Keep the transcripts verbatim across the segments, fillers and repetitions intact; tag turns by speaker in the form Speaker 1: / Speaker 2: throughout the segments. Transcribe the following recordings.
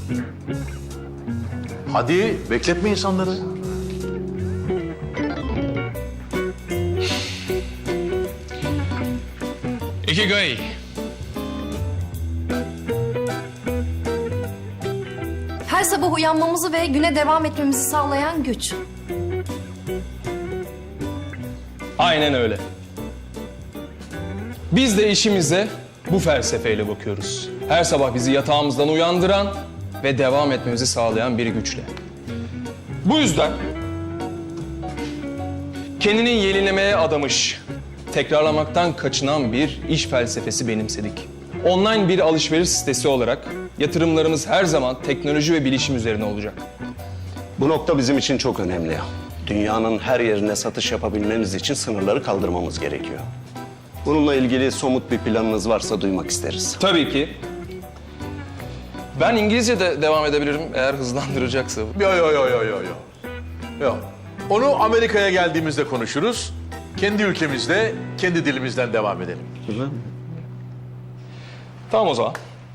Speaker 1: Hadi bekletme insanları.
Speaker 2: Ikigai.
Speaker 3: Her sabah uyanmamızı ve güne devam etmemizi sağlayan güç.
Speaker 2: Aynen öyle. Biz de işimize bu felsefeyle bakıyoruz. Her sabah bizi yatağımızdan uyandıran ve devam etmemizi sağlayan bir güçle. Bu yüzden kendini yenilemeye adamış, tekrarlamaktan kaçınan bir iş felsefesi benimsedik. Online bir alışveriş sitesi olarak yatırımlarımız her zaman teknoloji ve bilişim üzerine olacak.
Speaker 4: Bu nokta bizim için çok önemli. Dünyanın her yerine satış yapabilmemiz için sınırları kaldırmamız gerekiyor. Bununla ilgili somut bir planınız varsa duymak isteriz.
Speaker 2: Tabii ki. Ben İngilizce de devam edebilirim eğer hızlandıracaksa.
Speaker 1: Yo yo yo yo yo yo. Yo. Onu Amerika'ya geldiğimizde konuşuruz. Kendi ülkemizde, kendi dilimizden devam edelim.
Speaker 2: Tamam o zaman.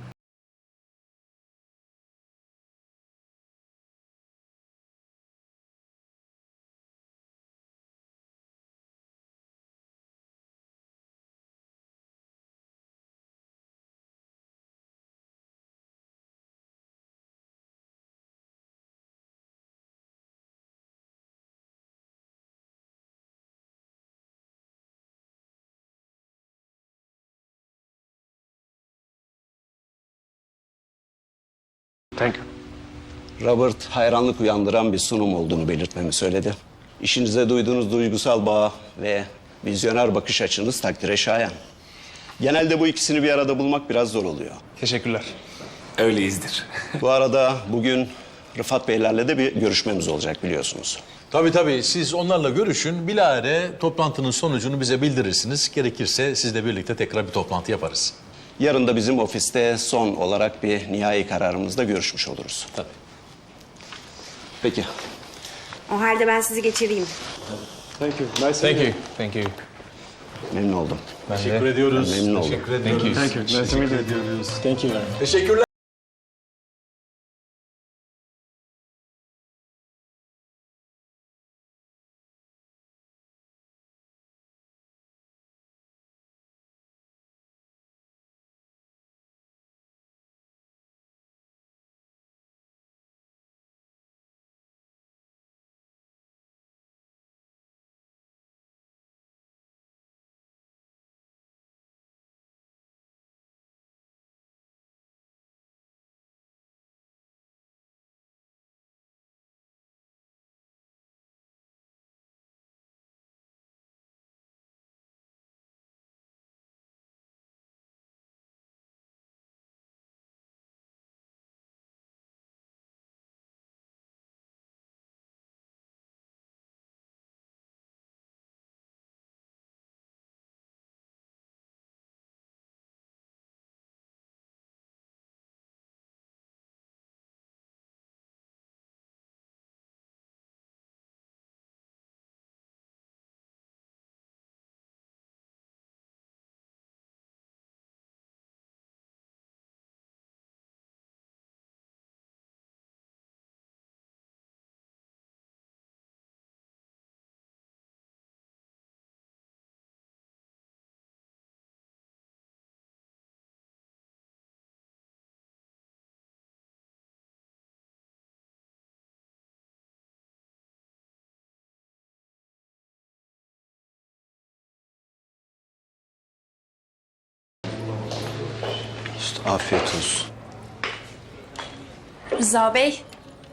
Speaker 1: Thank you.
Speaker 4: Robert hayranlık uyandıran bir sunum olduğunu belirtmemi söyledi. İşinize duyduğunuz duygusal bağ ve vizyoner bakış açınız takdire şayan. Genelde bu ikisini bir arada bulmak biraz zor oluyor.
Speaker 2: Teşekkürler.
Speaker 5: Öyleyizdir.
Speaker 4: Bu arada bugün Rıfat Beylerle de bir görüşmemiz olacak biliyorsunuz.
Speaker 1: Tabii tabii. Siz onlarla görüşün. Bilahare toplantının sonucunu bize bildirirsiniz. Gerekirse sizle birlikte tekrar bir toplantı yaparız.
Speaker 4: Yarın da bizim ofiste son olarak bir nihai kararımızda görüşmüş oluruz.
Speaker 1: Tabii.
Speaker 4: Peki.
Speaker 6: O halde ben sizi geçireyim.
Speaker 2: Thank you. Thank you.
Speaker 4: Memnun oldum.
Speaker 2: Ben de.
Speaker 1: Teşekkür ediyoruz.
Speaker 4: Memnun oldum.
Speaker 1: Teşekkür ediyoruz.
Speaker 2: Thank you.
Speaker 1: Teşekkür ediyoruz.
Speaker 2: Thank you.
Speaker 1: Teşekkürler.
Speaker 4: İşte afiyet olsun.
Speaker 3: Rıza Bey,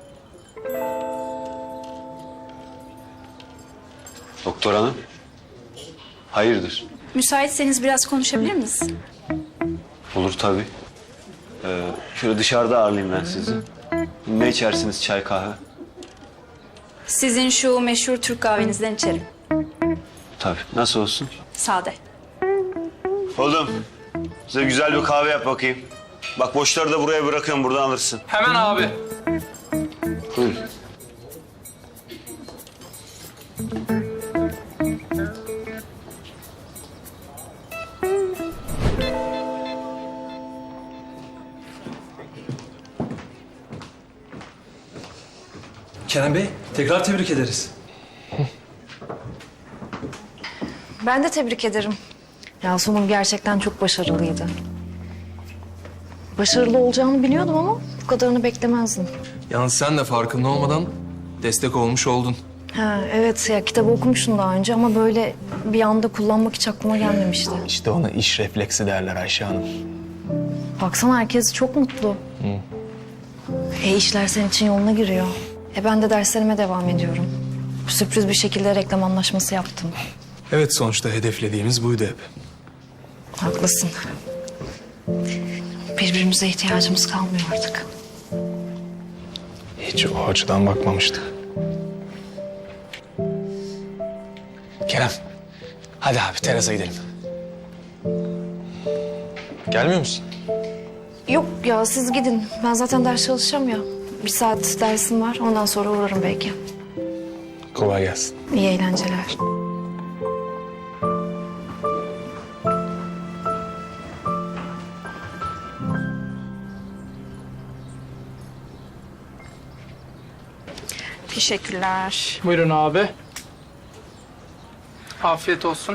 Speaker 5: Doktor hanım. Hayırdır?
Speaker 3: müsaitseniz biraz konuşabilir miyiz?
Speaker 5: Olur tabii. Ee, şöyle dışarıda ağırlayayım ben sizi. Ne içersiniz, çay kahve?
Speaker 3: Sizin şu meşhur Türk kahvenizden içerim.
Speaker 5: Tabii. Nasıl olsun?
Speaker 3: Sade.
Speaker 5: Oğlum, size güzel bir kahve yap bakayım. Bak boşları da buraya bırakıyorum, buradan alırsın.
Speaker 2: Hemen abi.
Speaker 5: Buyur.
Speaker 7: Kerem Bey, tekrar tebrik ederiz.
Speaker 3: Ben de tebrik ederim. Ya sunum gerçekten çok başarılıydı. Başarılı olacağını biliyordum ama bu kadarını beklemezdim.
Speaker 2: Yalnız sen de farkında olmadan destek olmuş oldun.
Speaker 3: Ha, evet ya kitabı okumuştum daha önce ama böyle bir anda kullanmak hiç aklıma gelmemişti.
Speaker 2: İşte ona iş refleksi derler Ayşe Hanım.
Speaker 3: Baksana herkes çok mutlu. E işler senin için yoluna giriyor. E ben de derslerime devam ediyorum. Sürpriz bir şekilde reklam anlaşması yaptım.
Speaker 2: Evet, sonuçta hedeflediğimiz buydu hep.
Speaker 3: Haklısın. Birbirimize ihtiyacımız kalmıyor artık.
Speaker 2: Hiç o açıdan bakmamıştık. Kerem, hadi abi terasa gidelim. Gelmiyor musun?
Speaker 3: Yok ya siz gidin. Ben zaten ders çalışacağım ya. Bir saat dersim var. Ondan sonra uğrarım belki.
Speaker 2: Kolay gelsin.
Speaker 3: İyi eğlenceler.
Speaker 8: Teşekkürler.
Speaker 9: Buyurun abi. Afiyet olsun.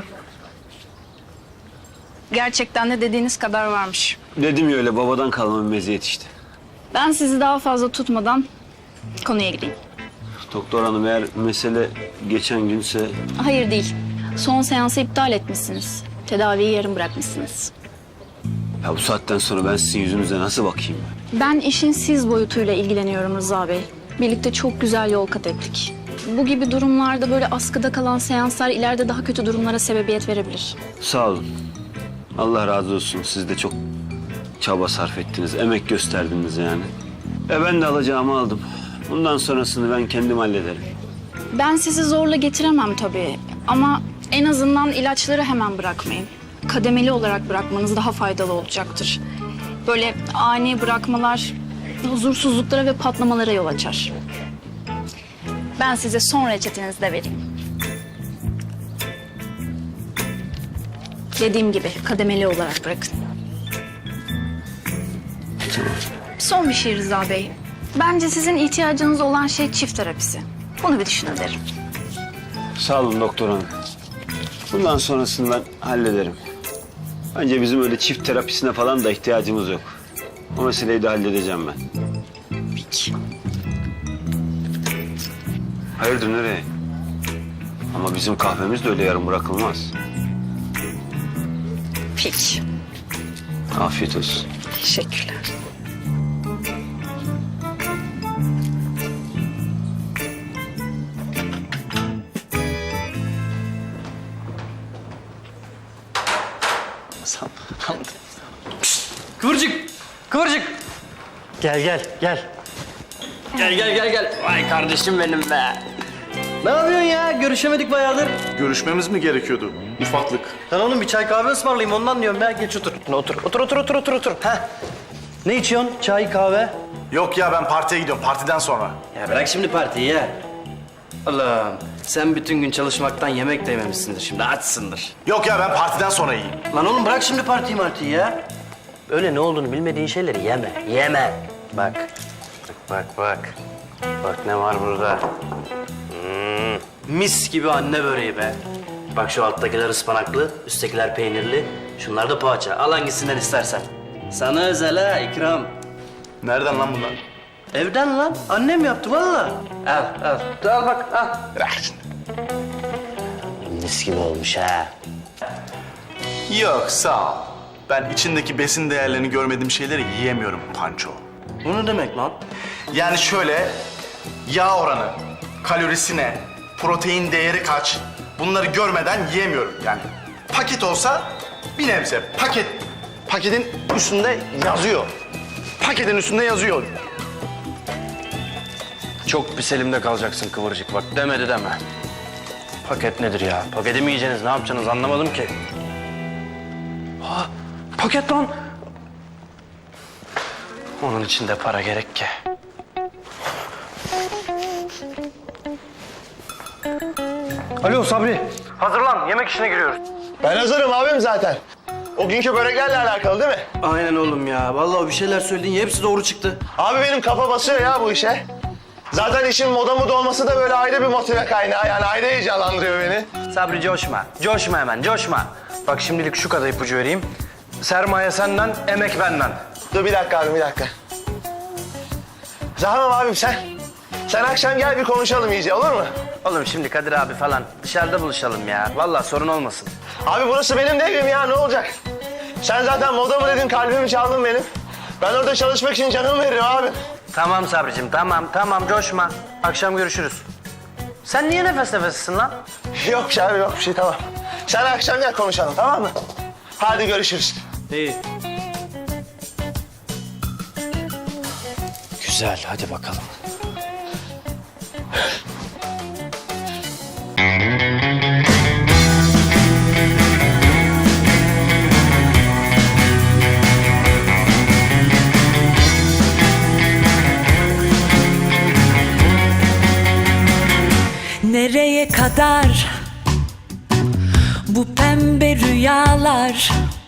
Speaker 8: Gerçekten de dediğiniz kadar varmış.
Speaker 5: Dedim ya öyle babadan kalma bir meziyet işte.
Speaker 8: Ben sizi daha fazla tutmadan konuya gireyim.
Speaker 5: Doktor hanım eğer mesele geçen günse...
Speaker 8: Hayır değil. Son seansı iptal etmişsiniz. Tedaviyi yarım bırakmışsınız.
Speaker 5: Ya bu saatten sonra ben sizin yüzünüze nasıl bakayım?
Speaker 8: Ben işin siz boyutuyla ilgileniyorum Rıza Bey. Birlikte çok güzel yol kat ettik. Bu gibi durumlarda böyle askıda kalan seanslar ileride daha kötü durumlara sebebiyet verebilir.
Speaker 5: Sağ olun. Allah razı olsun. Siz de çok çaba sarf ettiniz, emek gösterdiniz yani. E ben de alacağımı aldım. Bundan sonrasını ben kendim hallederim.
Speaker 8: Ben sizi zorla getiremem tabii. Ama en azından ilaçları hemen bırakmayın. Kademeli olarak bırakmanız daha faydalı olacaktır. Böyle ani bırakmalar huzursuzluklara ve patlamalara yol açar. Ben size son reçetenizi de vereyim. Dediğim gibi kademeli olarak bırakın. Son bir şey Rıza Bey. Bence sizin ihtiyacınız olan şey çift terapisi. Bunu bir düşünün derim.
Speaker 5: Sağ olun doktor hanım. Bundan sonrasını ben hallederim. Bence bizim öyle çift terapisine falan da ihtiyacımız yok. O meseleyi de halledeceğim ben.
Speaker 8: Peki.
Speaker 5: Hayırdır nereye? Ama bizim kahvemiz de öyle yarım bırakılmaz.
Speaker 8: Peki.
Speaker 5: Afiyet olsun.
Speaker 8: Teşekkürler.
Speaker 9: Kıvırcık, kıvırcık. Gel gel gel. Gel gel gel gel. Vay kardeşim benim be. Ne yapıyorsun ya? Görüşemedik bayağıdır.
Speaker 10: Görüşmemiz mi gerekiyordu? Ufaklık.
Speaker 9: Lan oğlum bir çay kahve ısmarlayayım ondan diyorum ya. Geç otur. Otur otur otur otur otur otur. Heh. Ne içiyorsun? Çay, kahve?
Speaker 10: Yok ya ben partiye gidiyorum. Partiden sonra.
Speaker 9: Ya bırak şimdi partiyi ya. Allah'ım sen bütün gün çalışmaktan yemek de yememişsindir şimdi açsındır.
Speaker 10: Yok ya ben partiden sonra yiyeyim.
Speaker 9: Lan oğlum bırak şimdi partiyi martiyi ya. Öyle ne olduğunu bilmediğin şeyleri yeme. Yeme. Bak. Bak bak bak. Bak ne var burada. Hmm, mis gibi anne böreği be. Bak şu alttakiler ıspanaklı, üsttekiler peynirli. Şunlar da poğaça. Al hangisinden istersen. Sana özel ha ikram.
Speaker 10: Nereden lan bunlar?
Speaker 9: Evden lan. Annem yaptı vallahi. Al al. Dur, al bak al.
Speaker 10: Bırak şimdi.
Speaker 9: Mis gibi olmuş ha.
Speaker 10: Yok sağ ol. Ben içindeki besin değerlerini görmediğim şeyleri yiyemiyorum Panço.
Speaker 9: Bu ne demek lan?
Speaker 10: Yani şöyle yağ oranı, kalorisi ne, protein değeri kaç bunları görmeden yiyemiyorum yani. Paket olsa bir nebze paket, paketin üstünde yazıyor. Paketin üstünde yazıyor.
Speaker 9: Çok pis elimde kalacaksın kıvırcık bak demedi deme. Paket nedir ya? Paketi mi yiyeceksiniz ne yapacaksınız anlamadım ki. Ha, paket lan. Onun için de para gerek ki. Alo Sabri. Hazırlan yemek işine giriyoruz.
Speaker 10: Ben hazırım abim zaten. O günkü böreklerle alakalı değil mi?
Speaker 9: Aynen oğlum ya. Vallahi bir şeyler söylediğin hepsi doğru çıktı.
Speaker 10: Abi benim kafa basıyor ya bu işe.
Speaker 11: Zaten işin moda moda olması da böyle ayrı bir motive kaynağı. Yani ayrı heyecanlandırıyor beni.
Speaker 9: Sabri coşma. Coşma hemen, coşma. Bak şimdilik şu kadar ipucu vereyim. Sermaye senden, emek benden.
Speaker 11: Dur bir dakika abi, bir dakika. Tamam abim sen. Sen akşam gel bir konuşalım iyice, olur mu?
Speaker 9: Oğlum şimdi Kadir abi falan dışarıda buluşalım ya. Vallahi sorun olmasın.
Speaker 11: Abi burası benim de evim ya, ne olacak? Sen zaten moda mı dedin, kalbimi çaldın benim. Ben orada çalışmak için canımı veririm abi.
Speaker 9: Tamam Sabricim, tamam, tamam coşma. Akşam görüşürüz. Sen niye nefes nefessin lan?
Speaker 11: Yok bir şey abi, yok bir şey, tamam. Sen akşam gel konuşalım, tamam mı? Hadi görüşürüz.
Speaker 9: İyi. Güzel, hadi bakalım.
Speaker 12: Nereye kadar bu pembe rüyalar?